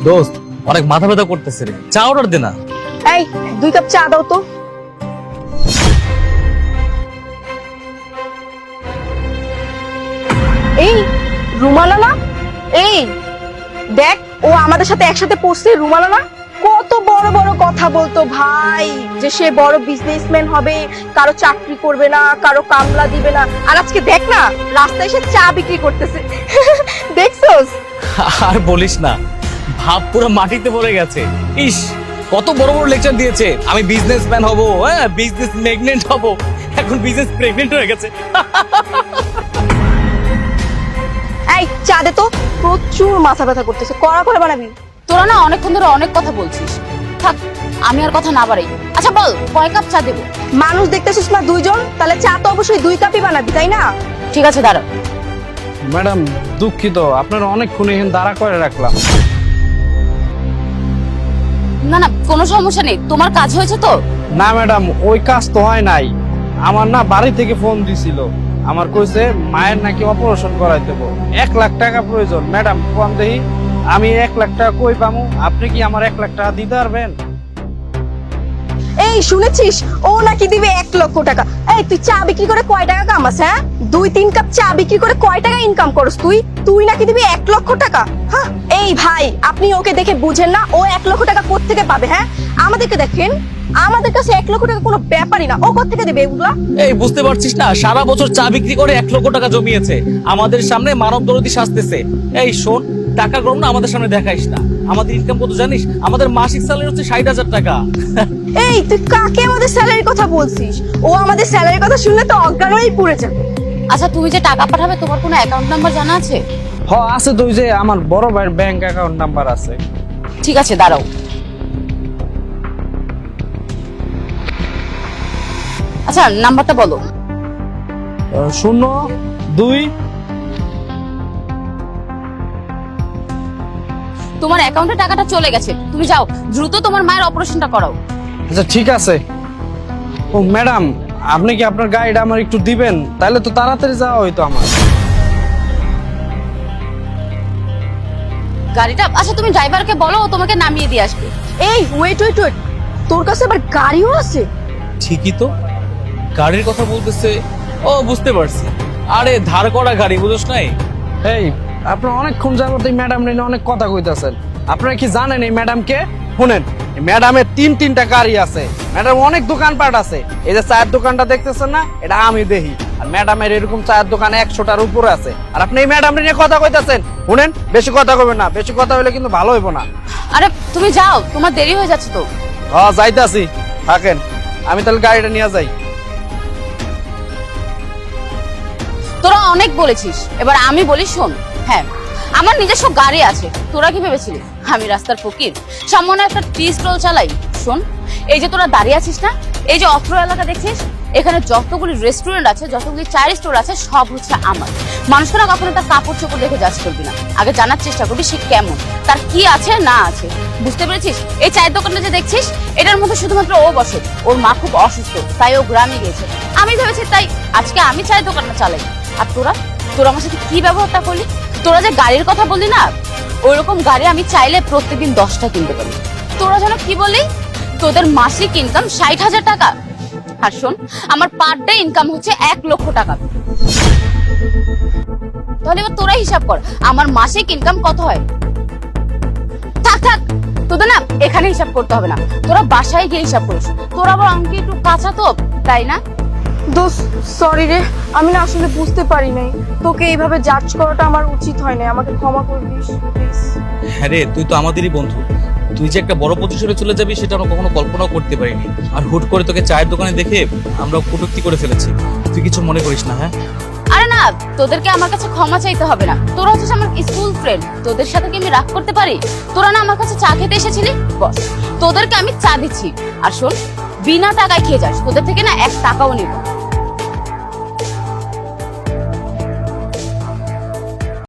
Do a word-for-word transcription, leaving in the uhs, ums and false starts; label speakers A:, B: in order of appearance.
A: দোস্ত অনেক মাথা ব্যথা করতেছে রে, চা অর্ডার দে না।
B: এই দুই কাপ চা দাও তো। এই রুমানা না, এই দেখ ও আমাদের সাথে একসাথে পড়ছে। রুমানা না, কত বড় বড় কথা বলতো ভাই, যে সে বড় বিজনেসম্যান হবে, কারো চাকরি করবে না, কারো কামলা দিবে না। আর আজকে দেখ না, রাস্তায় এসে চা বিক্রি করতেছে। দেখছস?
A: আর বলিস না, ভাব পুরো মাটিতে পড়ে গেছে। ইস, কত বড় বড় লেকচার দিয়েছে, আমি বিজনেসম্যান হব, হ্যাঁ বিজনেস ম্যাগনেট হব, এখন বিজনেস প্রেগনেন্ট হয়ে গেছে।
B: এই চা দে তো, প্রচুর মাথা ব্যথা করতেছে, কড়া করে বানাবি।
C: তোরা না অনেকক্ষণ ধরে অনেক কথা বলছিস, থাক আমি আর কথা না বাড়াই। আচ্ছা বল কয় কাপ চা দেবো?
B: মানুষ দেখতেছিস না দুইজন, তাহলে চা তো অবশ্যই দুই কাপই বানাবি, তাই না?
C: ঠিক আছে দাঁড়া।
D: ম্যাডাম দুঃখিত, আপনারা অনেকক্ষণ এখানে দাঁড়া করে রাখলাম।
C: না না কোনো সমস্যা নেই, তোমার কাজ হয়েছে তো?
D: না ম্যাডাম, ওই কাজ তো হয় নাই। আমার না বাড়ি থেকে ফোন দিছিল, আমার কইছে মায়ের নাকি অপারেশন করাই দেবো, এক লাখ টাকা প্রয়োজন। ম্যাডাম কোন দেহি আমি এক লাখ টাকা কই পামু? আপনি কি আমার এক লাখ টাকা দিতে পারবেন?
B: এই শুনেছিস, ও নাকি দিবে এক লক্ষ টাকা। এই তুই চা বিক্রি করে কয় টাকা কামাস? হ্যাঁ, দুই তিন কাপ চা বিক্রি করে কয় টাকা ইনকাম করস তুই? তুই নাকি দিবি এক লক্ষ টাকা? হ্যাঁ এই ভাই, আপনি ওকে দেখে বুঝেন না ও এক লক্ষ টাকা কোত্থেকে পাবে? হ্যাঁ আমাদেরকে দেখেন, আমাদের কাছে এক লক্ষ টাকা কোনো ব্যাপারই না, ও কোত্থেকে দেবে এগুলা?
A: এই বুঝতে পারছিস না, সারা বছর চা বিক্রি করে এক লক্ষ টাকা জমিয়েছে, আমাদের সামনে মানব দরদি সাজতেছে। এই শোন, টাকা কম না আমাদের সামনে দেখাইস না। আমাদের ইনকাম কত জানিস? আমাদের মাসিক স্যালারি হচ্ছে ষাট হাজার টাকা।
B: এই তুই কাকে আমাদের স্যালারির কথা বলছিস? ও আমাদের স্যালারির কথা শুনলে তো অজ্ঞান হয়েই পড়ে যাবে।
C: আচ্ছা তুমি যে টাকা পাঠাবে তোমার কোনো অ্যাকাউন্ট নাম্বার জানা আছে?
D: হ আছে তো, ওই যে আমার বড় ভাইয়ের ব্যাংক অ্যাকাউন্ট নাম্বার আছে।
C: ঠিক আছে দাঁড়াও। আচ্ছা নাম্বারটা বলো।
D: আহ, শূন্য দুই।
C: তোমার অ্যাকাউন্টে টাকাটা চলে গেছে, তুমি যাও দ্রুত তোমার মায়ের অপারেশনটা করাও।
D: আচ্ছা ঠিক আছে। ও ম্যাডাম, আপনি কি আপনার গাড়িটা আমার একটু দিবেন? তাহলে তো তাড়াতাড়ি যাওয়া হইতো আমার।
C: গাড়িটা, আচ্ছা তুমি ড্রাইভারকে বলো ও তোমাকে নামিয়ে দিয়ে আসবে।
B: এই ওয়েট ওয়েট ওয়েট, তোর কাছে আবার গাড়িও আছে?
A: ঠিকই তো, গাড়ির কথা বলতেছে। ও বুঝতে পারছি, আরে ধার করা গাড়ি, বুঝোস নাই?
D: এই আপনারা অনেকক্ষণ যাবত এই ম্যাডাম নিয়ে অনেক কথা কইতাছেন। আপনারা কি জানেন এই ম্যাডামকে? শুনেন, এই ম্যাডামের তিন তিনটা গাড়ি আছে, ম্যাডাম অনেক দোকানপাট আছে। এই যে চায়ের দোকানটা দেখতেছেন না, এটা আমি দেখি। আর ম্যাডামের এরকম চায়ের দোকান একশোটার উপরে আছে। আর আপনি এই ম্যাডাম নিয়ে কথা কইতাছেন। শুনেন, বেশি কথা কইবেন না, বেশি কথা হইলে কিন্তু ভালো হইব না।
C: আরে তুমি যাও, তোমার দেরি হয়ে যাচ্ছে তো।
D: হ যাইতাছি, থাকেন, আমি তাহলে গাড়িটা নিয়ে যাই।
C: তোরা অনেক বলেছিস, এবার আমি বলি শোন। হ্যাঁ আমার নিজস্ব গাড়ি আছে, তোরা কি ভেবেছিলি আমি রাস্তার ফকির? সামনে একটা টি স্টল চালাই। শোন, এই যে তোরা দাঁড়িয়ে আছিস না, এই যে অত্র এলাকা দেখছিস, এখানে যতগুলি রেস্টুরেন্ট আছে, যতগুলি চায়ের স্টোর আছে, সব হচ্ছে আমার। মানুষকে না কখনো তার কাপড় চোপড় দেখে জাজ করবি না, আগে জানার চেষ্টা করবি সে কেমন, তার কি আছে না আছে। বুঝতে পেরেছিস? এই চায়ের দোকানটা যে দেখছিস, এটার মধ্যে শুধুমাত্র ও বসে। ওর মা খুব অসুস্থ, তাই ও গ্রামে গিয়েছে। আমি ভেবেছি তাই আজকে আমি চায়ের দোকানটা চালাই। আর তোরা তোরা আমার সাথে কি ব্যবহারটা করলি? তোরা যে গাড়ির কথা বললি না, ওইরকম গাড়ি আমি চাইলে প্রত্যেকদিন দশটা কিনতে পারি। তোরা যেন কি বলি, তোদের মাসিক ইনকাম ষাট হাজার টাকা। আর শোন, আমার পার ডে ইনকাম হচ্ছে এক লক্ষ টাকা। তাহলে এবার তোরা হিসাব কর আমার মাসিক ইনকাম কত হয়। থাক থাক, তোদের না এখানে হিসাব করতে হবে না, তোরা বাসায় গিয়ে হিসাব করিস। তোরা আবার আমাকে একটু কাঁচা তো, তাই না?
B: দোস্ত সরি রে, আমি না আসলে বুঝতে পারি নাই, তোকে এইভাবে জাজ করাটা আমার উচিত হয় না, আমাকে ক্ষমা করে দিস প্লিজ।
A: হ্যাঁ রে, তুই তো আমাদেরই বন্ধু, তুই যে একটা বড় পজিশনে চলে যাবি সেটা আমরা কখনো কল্পনাও করতে পারিনি। আর হুট করে তোকে চায়ের দোকানে দেখে আমরা কটূক্তি করে ফেলেছি, তুই কিছু মনে করিস না। হ্যাঁ
C: আরে না, তোদেরকে আমার কাছে ক্ষমা চাইতে হবে না, তোরা হচ্ছে আমার স্কুল ফ্রেন্ড, তোদের সাথে কি আমি রাগ করতে পারি? তোরা না আমার কাছে চা খেতে এসেছিলি, বস তোদেরকে আমি চা দিচ্ছি। আর শোন, বিনা টাকায় খেয়ে যাস, তোদের থেকে না এক টাকাও নিব।